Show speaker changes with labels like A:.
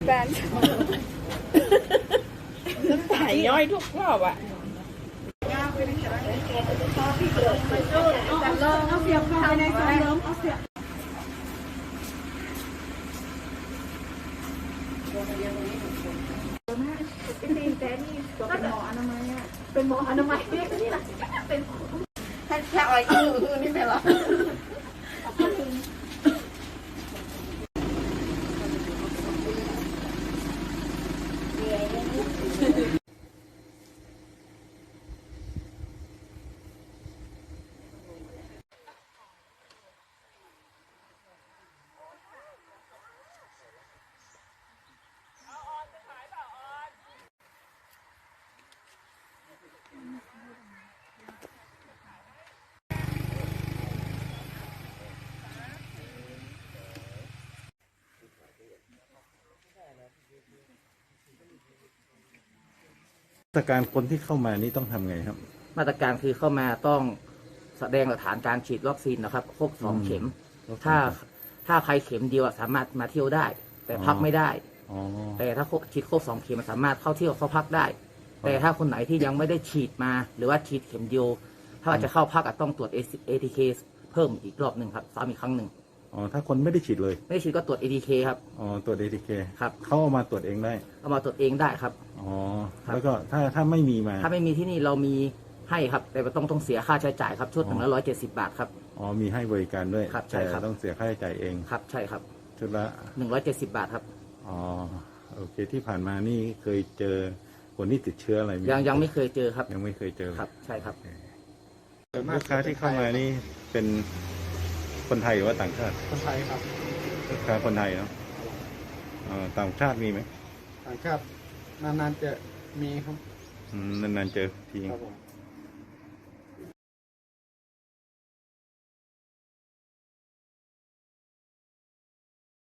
A: แบนถ่ายย่อยทุกรอบอ่ะเอาเสียบเข้าไปในซองล้มเอาเสียบแต่นี่เป็นหมออนามัยอ่ะเป็นหมออนามัยนี่แหละเป็นแค่อ้อยคือนี่เป็นหรอ
B: มาตรการคนที่เข้ามานี่ต้องทำไงครับ
C: มาตรการคือเข้ามาต้องแสดงหลักฐานการฉีดวัคซีนนะครับครบ2 เข็มถ้าใครเข็มเดียวสามารถมาเที่ยวได้ แต่พักไม่ได้แต่ถ้าฉีดครบ2 เข็มสามารถเข้าเที่ยวเข้าพักได้แต่ถ้าคนไหนที่ยังไม่ได้ฉีดมาหรือว่าฉีดเข็มเดียวถ้าจะเข้าพักต้องตรวจ ATK เพิ่มอีกรอบหนึ่งครับซ้ำอีกครั้งหนึ่ง
B: ถ้าคนไม่ได้ฉีดเลย
C: ไม่ได้ฉีดก็ตรวจ ATK ครับ
B: ตรวจ ATK
C: ครับ
B: เขาเอามาตรวจเองได้
C: เอามาตรวจเองได้ครับ
B: แล้วก็ถ้าไม่มีมา
C: ถ้าไม่มีที่นี่เรามีให้ครับแต่ต้องเสียค่าใช้จ่ายครับชุดละ170 บาทครับ
B: มีให้บริการด้วย
C: ครับใช่ครับ
B: ต้องเสียค่าใช้จ่ายเอง
C: ครับใช่ครับ
B: ชุดละ
C: 170 บาทครับ
B: โอเคที่ผ่านมานี่เคยเจอคนที่ติดเชื้ออะไร
C: ยังไม่เคยเจอครับ
B: ยังไม่เคยเจอ
C: ครับใช่ครับ
B: ลูกค้าที่เข้ามานี่เป็นคนไทยหรือว่าต่างชาติ
D: คนไทยครับ
B: ลูกค้าคนไทยเนาะต่างชาติมีไหม
D: ต่างชาตินานๆจะมีครับ
B: นานๆเจอที
D: ครับผม